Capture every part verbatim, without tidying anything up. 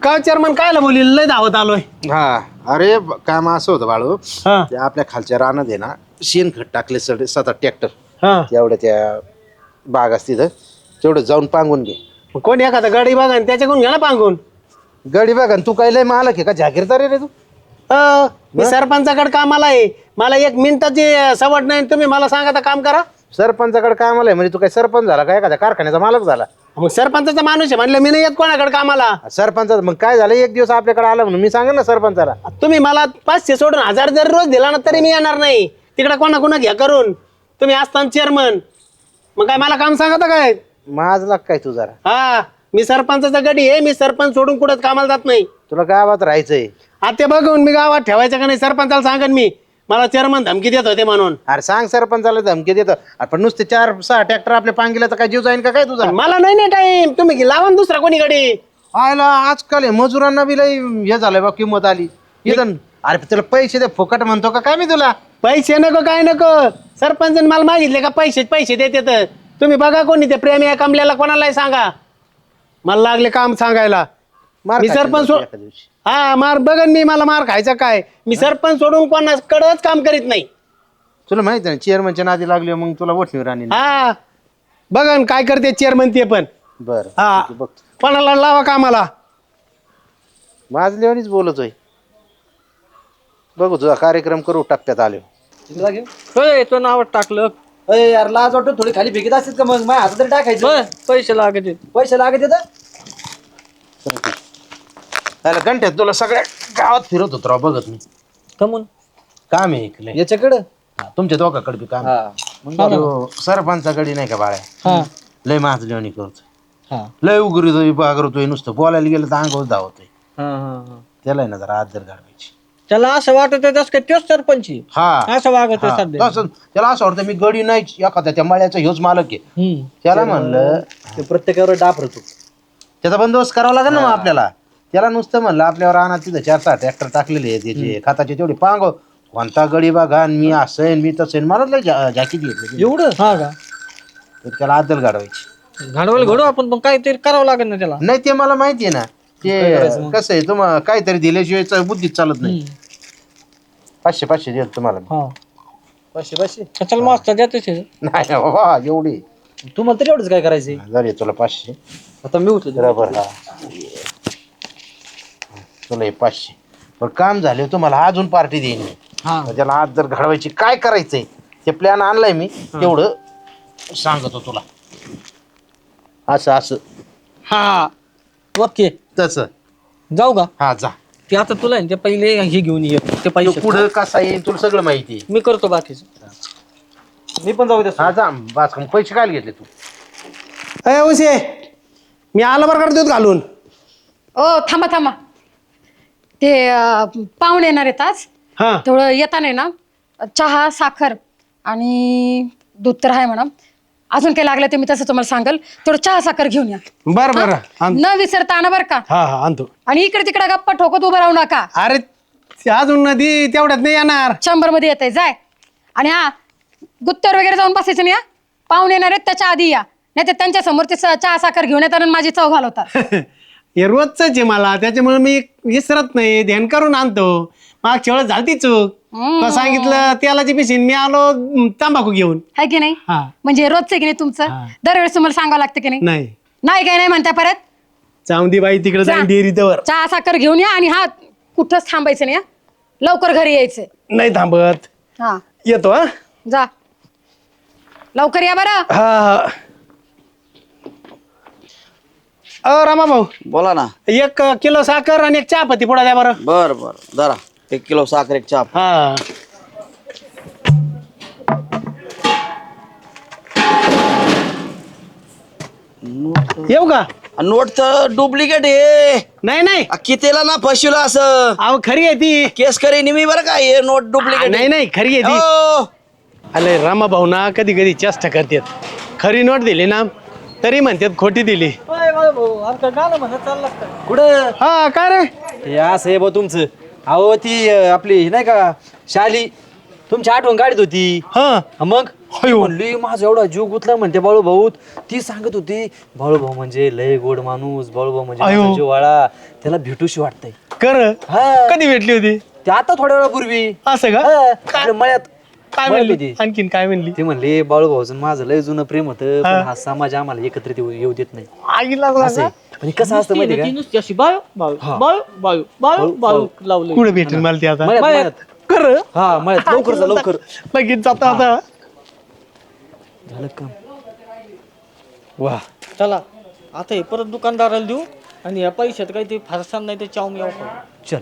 का चेअरमन कायला बोली लय धावत आलोय. हा अरे ब- काम असं होतं बाळू हा ते आपल्या खालच्या रानात आहे ना शेणखत टाकले सड सात आठ ट्रॅक्टर हा तेवढ्या त्या बाग असते तिथं तेवढं जाऊन पांगून घे. मग कोणी एखादा गाडी बघा आणि त्याच्याकडून घ्या ना पांगून. गडी बघ आणि तू काय लय मालक आहे का जागीरदार आहे रे तू. अ, मी सरपंचाकडे कामाला आहे. मला एक मिनिटाची सवड नाही. तुम्ही मला सांगा आता काम करा. सरपंचाकडे कामाला आहे म्हणजे तू काय सरपंच झाला काय एखाद्या कारखान्याचा मालक झाला. मग सरपंचाचा माणूस आहे म्हणलं मी नाही येत कोणाकडे कामाला. सरपंच मग काय झालं एक दिवस आपल्याकडे आला म्हणून मी सांगेन ना सरपंचाला. तुम्ही मला पाचशे सोडून हजार जर रोज दिला ना तरी मी येणार नाही. तिकडे कोणा कोणा घ्या करून. तुम्ही असताना चेअरमन मग काय मला काम सांगता काय. माझला काय तू जरा हा मी सरपंचाचा गडी आहे. मी सरपंच सोडून कुठंच कामाला जात नाही. तुला गावात राहायचंय. आता बघून मी गावात ठेवायचं का नाही सरपंचाला सांगन मी. मला चेअरमन धमकी देत होते म्हणून. अरे सांग सरपंचाला धमकी देतो पण नुसते चार सहा ट्रॅक्टर आपल्या पांगीला तर काय जीव जाईन का काय तुझा. मला नाही नाही टाईम. तुम्ही लावा ना दुसरा कोणी गडी. आयला आजकाल हे मजुरांना बी लय हे झालंय बा किंमत आली इथं. अरे तुला पैसे दे फुकट म्हणतो का काय मी तुला. पैसे नको काय नको. सरपंच मला मागितले का पैसे पैसे देते तर तुम्ही बघा कोणी ते प्रेमी या कमल्याला कोणालाही सांगा. मला लागले काम सांगायला. मार मी खाशील सरपंच बघ सो- एका दिवशी. हा मार बघन मी. मला मार खायचा काय. मी सरपंच सोडून कोणाकडच काम करीत नाही. तुला माहिती आहे ना चेअरमनच्या नादी लागली मग तुला वठणीवर आणि हा बघन काय करते चेअरमन ते पण. बर हा बघ कोणाला लावा कामाला. माझल्यावानीच बोलतोय. बघू तुझा कार्यक्रम करू टप्प्यात आलो. होय तो नाव टाकलं. अरे यार लाज वाटतो थोडी खाली फेकीत असतील का मग माझ्या हातात तरी टाकायचं. होय पैसे लागत आहेत. पैसे लागत येतं. त्याला घंट्यात तुला सगळ्या गावात फिरत होतो राव बघत मी. कमून काम आहे इकडे याच्याकडं तुमच्या दोघाकडे बी काम आहे. हा मग तो सरपंचाकडे नाही का बाळ्या हा लय माझल्यावानी करतोय. हा लय उघडतोय बागरतोय नुसतं बोलायला गेलं तर अंगावर धावतोय. हा हा त्याला आहे ना जरा आदर घडवायची. त्याला असं वाटत आहे काय तोच सरपंच आहे. हा असं वागत आहे हा. सध्या. तसं त्याला असं वाटतं मी गडी नाही एखाद्या त्या मळ्याचा ह्योच मालक आहे. हम्म. त्याला म्हणलं ते प्रत्येकावर डाफरतो. त्याचा बंदोबस्त करावा लागेल ना मग आपल्याला. त्याला नुसतं म्हणलं आपल्यावर रानात तिथं चार सहा ट्रॅक्टर टाकलेले आहे त्याचे खताचे तेवढे पांग कोणता गडी बघा आणि मी असं मी तसं मला लय जॅकेट घेतलं एवढं हा का तर त्याला आदल घडवायची. घडवायला घडू आपण पण काहीतरी करावं लागेल ना त्याला. नाही ते मला माहिती आहे ना ते कसं आहे तुम्हाला काहीतरी दिल्याशिवाय च- बुद्धीत चालत नाही. पाचशे पाचशे देत तुम्हाला मी. हा पाचशे पाचशे चल मस्त देतेच आहे. नाही बाबा एवढी तुम्हाला तरी एवढंच काय करायचंय. जरी तुला पाचशे आता मी उचलतो. बरोबर हा तुला हे पाचशे पण काम झाले तुम्हाला अजून पार्टी देईन मी. हा त्याला आज जर घडवायची काय करायचंय ते प्लॅन आणलाय मी तेवढं सांगतो तुला. असं असं हा ओके तसं जाऊ का. हा जा. ते आता तुला आहे ना ते पहिले हे घेऊन ये ते तो पैसे. पुढं कसा येईल तुला सगळं माहिती आहे. मी करतो बाकीचं. मी पण जाऊ द्या. हा जा बास मग पैसे काय घेतले तू. अय उशे मी आलं बरं का दूध घालून. ओ थांबा थांबा ते अं, पाहुणे येणार आहेत आज. हा तेवढं येताना आहे ना चहा साखर आणि दूध तर आहे म्हणा. अजून काही लागलं ते मी तसं तुम्हाला सांगेल. तेवढं चहा साखर घेऊन या. बरं बरं आण- न विसरता आणा बरं का. हा हा आणतो. आणि इकडे तिकडे गप्पा ठोकत उभं राहू नका. अरे ते अजून नदी तेवढ्यात नाही येणार. शंभर मध्ये येत जाय. आणि हा गुत्तर वगैरे जाऊन बसायचं नाही. हा पाहुणे येणार आहेत त्याच्या आधी या. नाही तर त्यांच्या समोर ते स- चहा साखर घेऊन येतात आणि माझी चव घालवतात. हे रोजच आहे मला त्याच्यामुळे मी विसरत नाही ध्यान करून आणतो. मागच्या वेळेस झालती चूक. तो सांगितलं तेलाची पिशीन मी आलो अं, तंबाखू घेऊन. है की नाही. हा म्हणजे रोजचं की नाही तुमचं. हा. दरवेळेस तुम्हाला सांगावं लागतं की नाही. नाही नाही काय नाही म्हणता परत. चांदी बाई तिकडे जा. जाईन डेअरीवर. चहा साखर घेऊन या आणि हा कुठंच थांबायचं नाही. हा. लवकर घरी यायचंय. नाही थांबत. हा येतो हा. जा लवकर या बरं. हा अ रामा भाऊ बोला ना. एक किलो साखर आणि एक चहा पत्ती पुढा द्या बरं. बर बर जरा एक किलो साखर एक चहा. हा येऊ का. नोट तर डुप्लिकेट आहे. नाही नाही कितीला ना फसवलं असं अहो खरी आहे ती. केस करे निमी बरं का हे नोट डुप्लिकेट. नाही नाही खरी आहे ती. अरे रामा भाऊ ना कधी कधी चेष्टा करतात. खरी नोट दिली ना तरी म्हणतात खोटी दिली. कुठं हा काय रे. हे असं आहे बा तुमचं. अहो ती अं, आपली नाही का शाली तुमची आठवण काढत होती. हा हा मग ती म्हणली माझा एवढा जीव गुतला म्हणते बाळू भाऊ. ती सांगत होती बाळू भाऊ म्हणजे लय गोड माणूस. बाळू भाऊ म्हणजे अयो. माझा जीववाळा. त्याला भेटूशी वाटतंय. कर हा. कधी भेटली होती ते आता थोड्या वेळापूर्वी असं का हा, आपल्या मळ्यात काय मळ्यात म्हणली होती. आणखीन काय म्हणली ते म्हणले बाळू भाऊचं माझं लय जुनं प्रेम होतं पण हा. हा समाज आम्हाला एकत्रित येऊ येऊ देत नाही आगीला असं आहे. पण हे कसं असतं माहिती ती का नुसती अशी बाळू बाळू हा. बाळू बाळू बाळू बाळू लावलं कुठे भेटेल मला ती आता मळ्यात मळ्यात कर हा मळ्यात लवकर जा लवकर लगेच जाता आता झालं काम. वा चला आता हे परत दुकानदाराला देऊ आणि या पैशात काही ते फारसान नाही ते चावमी याव चल.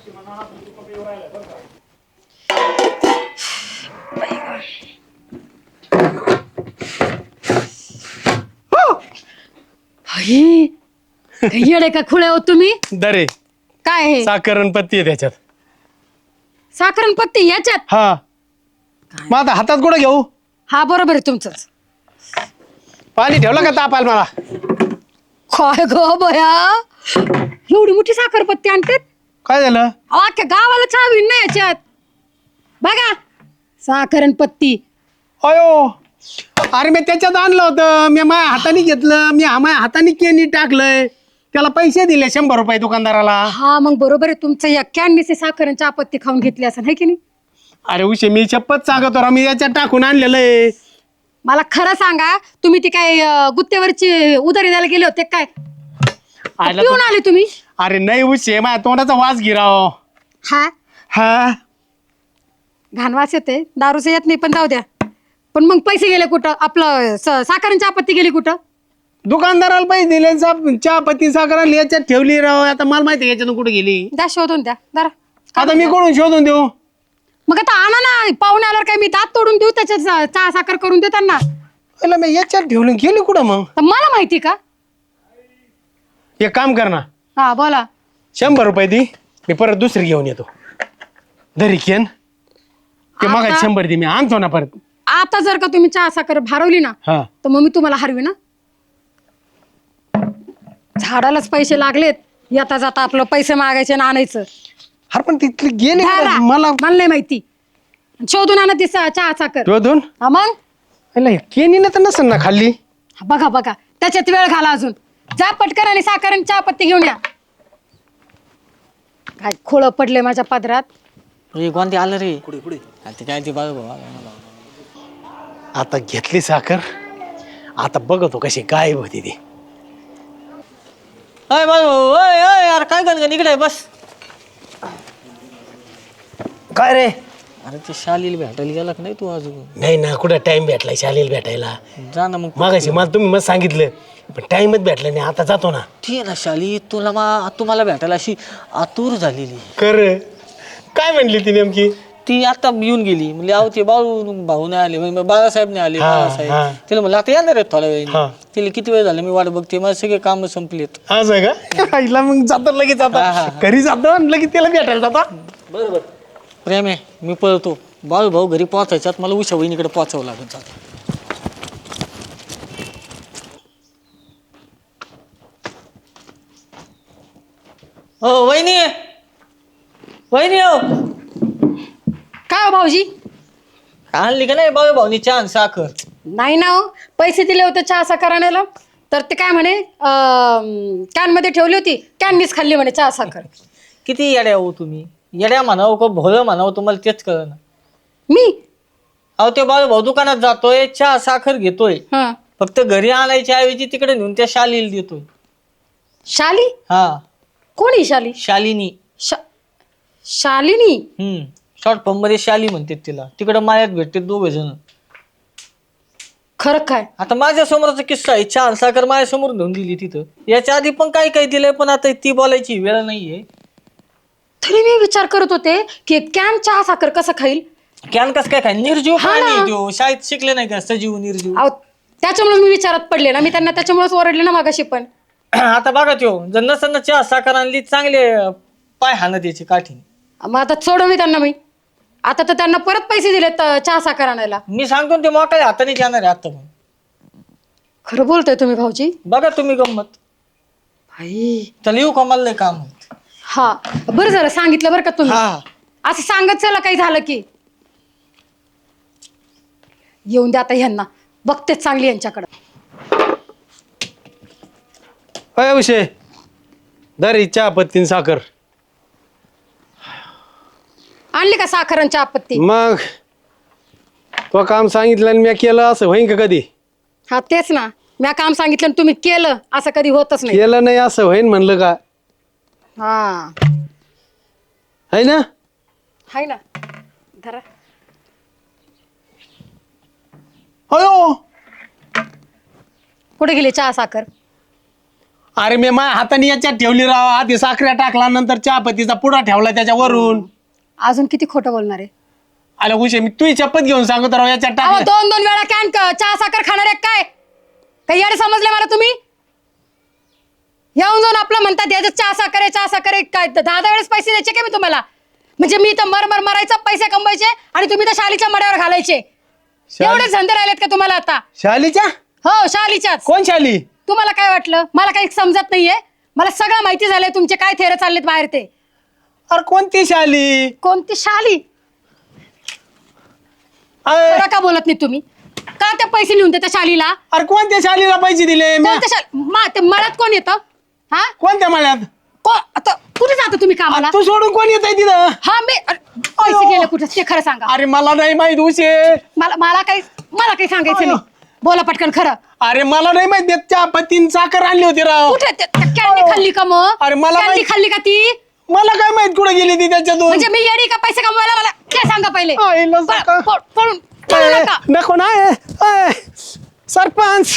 भाई येडे का खुळे हो तुम्ही दरे काय हे साखरण पत्ती आहे त्याच्यात साखरण पत्ती याच्यात हा मग आता हातात कुठं घेऊ हा बरोबर आहे तुमचं पाणी ठेवलं का तापाल मला काय गो बया एवढी मोठी साखर पत्ती आणतात काय झालं अहो, अख्ख्या गावाला चावी नाही याच्यात बघा साखरण पत्ती अयो अरे मी त्याच्यात आणलं होतं मी माझ्या हाताने घेतलं मी हा माझ्या हाताने केनी टाकलंय त्याला पैसे दिले शंभर रुपये दुकानदाराला हा मग बरोबर आहे तुमचं या कॅननीचे साखरण चहापत्ती खाऊन घेतली असं है की नाही अरे उशे मी शपथ सांगतो राव, मी याच्यात टाकून आणलेलं आहे मला खरं सांगा तुम्ही ती काय अं, गुत्तेवरची उधारी द्यायला गेले होते काय आयला पिऊन तो- आले तुम्ही अरे नाही उशे माझ्या तोंडाचा वास गिराव हा हा घाण वास येते दारूचं येत नाही पण जाऊ द्या पण मग पैसे गेले कुठं आपलं स- साखरण चहापत्ती गेली कुठं दुकानदाराला पैसे दिले सा- चहा पत्ती साखर आणली याच्यात ठेवली राव आता मला माहिती आहे याच्यातून कुठे गेली द्या शोधून द्या जरा आता मी कोणून शोधून देऊ मग आता आणा ना पाहुणे आल्यावर काय मी दात तोडून देऊ त्याच्यात चा- चहा साखर करून देऊ त्यांना पहिला मी याच्यात ठेवली गेली कुठं मग तर मला माहिती का एक काम कर ना हा बोला शंभर रुपये दे मी परत दुसरी घेऊन येतो धरी केन ते मग आता- शंभर दे मी आणतो ना परत आता जर का तुम्ही चहा साखर भारवली ना हा तर मग मी तुम्हाला हरवी ना झाडालाच पैसे लागलेत येता जाता आपलं पैसे मागायचे आणि आणायचं अरे पण तिथली गेली घ्या कुठं? ना. मला मला नाही माहिती शोधून आणा ती सा- चहा साखर शोधून हा मग केनी तर नसेल ना खाल्ली हा, बघा बघा त्याच्यात वेळ घाला अजून जा पटकन आणि साखर आणि चहापत्ती घेऊन या काय खोळ पडले माझ्या पदरात हे कोणते आलं रे पुढे पुढे ते काय ते बाळू भाऊ आला मला. आता घेतली साखर आता बघतो कशी गायब होती ती अय बाळू भाऊ अय अय यार काय गणगण इकडे आहे, बस काय रे अरे ते शालीला भेटायला गेला का नाही तू अजून नाही ना कुठं टाइम भेटलाय शालेल भेटायला जा ना मग मागाशी मला तुम्ही मग सांगितलं पण टाइमच भेटला नाही आता जातो ना ती आहे ना शाली तुला मा तुम्हाला भेटायला अशी आतुर झालेली कर काय म्हणली ती नेमकी ती आता येऊन गेली म्हणजे अहो ते बाळू भाऊ नाही आले म्हणजे बाळासाहेब नाही आले हा, हा. बाळासाहेब तिला म्हणलं आता येणार आहेत थोड्या हा. वेळ तिला किती वेळ झाला मी वाट बघते माझे सगळे काम संपलेत असं आहे का आईला मग जातो लगेच हा, हा, आता हा. घरी जातो आणि लगेच त्याला भेटायला जातो बरोबर प्रेम आहे मी पळतो बाळू भाऊ घरी पोहोचायच्यात मला उषा वहिनीकडे पोहोचावं लागत जातं हो वहिनी वहिनी हो काय हो भाऊजी आणली का नाही बाळू भाऊनी छान साखर नाही ना हो पैसे दिले होते चहा साखर आणायला तर ते काय म्हणे कॅन मध्ये ठेवली होती कॅननीच खाल्ली म्हणे चहा साखर किती येड्या हो तुम्ही येड्या म्हणावं का भोळं म्हणावं तुम्हाला तेच कळलं ना मी अहो ते बाळू भाऊ दुकानात जातोय चहा साखर घेतोय हा फक्त घरी आणायच्या ऐवजी तिकडे नेऊन त्या शालीला देतोय शाली हा कोणी शाली शालिनी शा शालिनी हम्म शॉर्ट फॉर्म मध्ये शाली म्हणतात तिला तिकडे मायात भेटते दोघ जण खरं काय आता माझ्या समोरचा किस्सा आहे चहा साखर माझ्या समोर घेऊन दिली तिथं याच्या आधी पण काही काही दिलंय पण आता ती बोलायची वेळ नाहीये तरी मी विचार करत होते की कॅन चहा साखर कसं खाईल कॅन कस काय काय निर्जीव हा प्राणी ना. आहे त्यो. शाळेत शिकले नाही का सजीव निर्जीव अहो त्याच्यामुळे मी विचारात पडले ना मी त्यांना त्याच्यामुळेच ओरडले ना मागाशी पण आता बघा त्यो जर नसताना चहा साखर आणली चांगले पाय हाणत याची काठी मग आता सोडवली त्यांना मी आता तर त्यांना परत पैसे दिलेत अं, चहा साखर आणायला मी सांगतो ना ते मोकळ्या हाताने जाणार आहे आता पण खरं बोलतोय तुम्ही भाऊजी बघा तुम्ही गंमत भाई चल येऊ का मला लय काम आहे. हा बरं झालं सांगितलं बरं का तुम्ही हा असं सांगत चला काही झालं की येऊन द्या आता ह्यांना बघतेच चांगली यांच्याकडं अय विषय दर चहा पत्तीन साखर. आणली का साखरांची आपत्ती? मग तो काम सांगितलं आणि मी केलं असं होईन का कधी? हा तेच ना, मी काम सांगितलं आणि तुम्ही केलं असं कधी होतच नाही. केलं नाही असं होईन म्हणलं का? हा है ना? हाय ना, धरा. अयो कुठे गेली चहा साखर? अरे मी माझ्या हाताने याच्यात ठेवली राव. आधी साखऱ्या टाकला, नंतर चहापत्तीचा पुडा ठेवला त्याच्यावरून. अजून किती खोटं बोलणार आहे? आला उशे मी तुझी चपत घेऊन सांगतो राव याच्यात अहो, टाकलं. दोन दोन वेळा कॅन चहा साखर खाणार आहे काय? काही याडे समजले मला तुम्ही? येऊन जाऊन आपलं म्हणतात याच्यात चहा साखर आहे, चहा साखर आहे. काय दहा दहा वेळेस पैसे द्यायचे का मी तुम्हाला? म्हणजे मी तर मर मर मरायचा पैसे कमवायचे आणि तुम्ही तर शालीच्या मड्यावर घालायचे. एवढे धंदे राहिलेत का तुम्हाला आता? शालीच्या? हो शालीच्याच. कोण शाली? तुम्हाला काय वाटलं? मला काही समजत नाहीये. मला सगळं माहिती झालंय तुमचे काय थेर चाललेत बाहेर ते. अरे कोणती शाली? कोणती शाली? अरे खरं का बोलत नाही तुम्ही? का ते पैसे लिहून देता शालीला? अरे कोणत्या शालीला पैसे दिले? म्या- कोणत्या शाल मा ते मळ्यात कोण येतं? हा कोणत्या मळ्यात? को आता कुठे जाता तुम्ही कामाला? तू सोडून कोण येत आहे तिथं? हा मी अरे, पैसे गेले कुठे ते खरं सांगा. अरे मला नाही माहित उशे. मला मला काही मला काही सांगायचं नाही. बोला पटकन खरं. अरे मला नाही माहित. चहा पत्तीन साखर आणली होती राव. कुठे ते- त्या कॅन्डी खाल्ली का मग? अरे मला कॅन्डी माहित- खाल्ली का ती? मला काय माहित कुठे गेली ती त्याच्यातून. म्हणजे मी येडी का पैसे कमवायला? मला ते सांगा पहिले. आईला प- सका. प- पळून पळू ए, नका. नको ना ए, ए, सरपंच.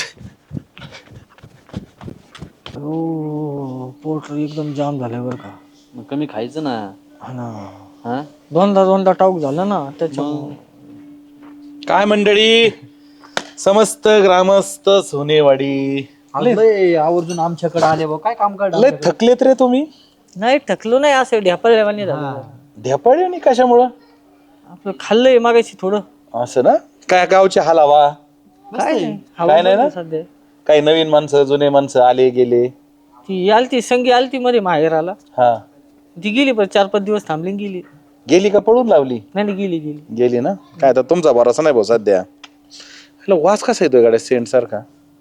पोट एकदम जाम झालं बरं का. मग कमी खायचं ना. हा ना, हा दोनदा दोनदा टाऊक झालं ना त्याच्यामुळे. काय मंडळी, समस्त ग्रामस्थ सोनेवाडी लय आवर्जून आमच्याकडे आले बा. काय काम लय काढलं? थकलेत रे तुम्ही. नाही थकलो नाही, असं ढ्यापळल्यावानी झालं. ढेपाळी आणि कशामुळं? आपलं खाल्लंय मागायची थोडं. असं ना. काय गावचे हलावा, काय नाही, काय हवा नाही ना? बंद सध्या. काही नवीन माणसं जुने माणसं आले गेले. ती आलती संगी आलती मध्ये माहेराला. हा ती गेली पण चार पाच दिवस थांबली आणि गेली. गेली का पळून लावली? नाही नाही, गेली गेली. गेली ना. काय आता तुमचा भरोसा नाही भाऊ सध्या. हॅलो, वास कसा येतोय गाड्या सेंट सारखा?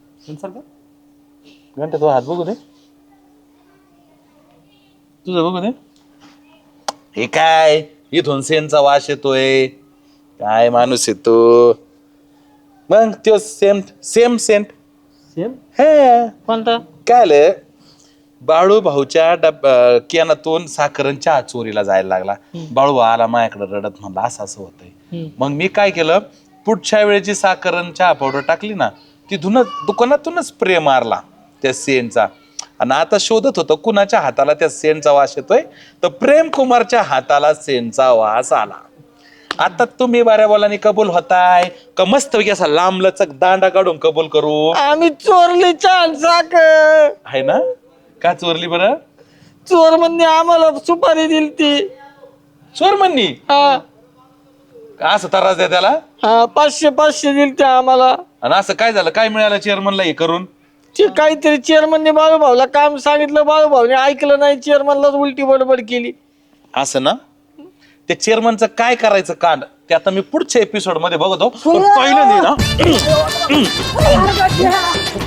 घंटा तो हात बघू दे, तुझं बघू दे. हे काय इथून सेंटचा वास येतोय? काय माणूस येतो मग तो सेम सेम सेंट सेम हे कोणता? काय आलं, बाळू भाऊच्या डब केनातून साखरण चहा चोरीला जायला लागला. बाळू भाऊ आला माझ्याकडे रडत, म्हणला असं असं होतंय. मग मी काय केलं, पुढच्या वेळेची साखरण चहा पावडर टाकली ना, तिथूनच दुकानातूनच स्प्रे मारला त्या सेंटचा. आणि आता शोधत होतो कुणाच्या हाताला त्या सेंटचा वास येतोय, तर प्रेम कुमारच्या हाताला सेंटचा वास आला. आता तुम्ही बाऱ्या बोलानी कबूल होताय का मस्त पैकी असा लांब लचक दांडा काढून कबूल करू? आम्ही चोरली छान साखर. आहे ना. का चोरली बरं? चोर म्हणजे आम्हाला सुपारी दिली ती. चोर म्हणणी हा का असं त्रास द्या त्याला? हा, पाचशे पाचशे दिली त्या आम्हाला. आणि असं काय झालं, काय मिळालं चेअरमनला हे करून? ते काहीतरी चेअरमनने बाळूभाऊला काम सांगितलं, बाळूभाऊने ऐकलं नाही, चेअरमनलाच उलटी बडबड केली. असं ना. त्या चेअरमनचं काय करायचं कांड ते आता मी पुढच्या एपिसोड मध्ये बघतो. पण पहिलं नाही ना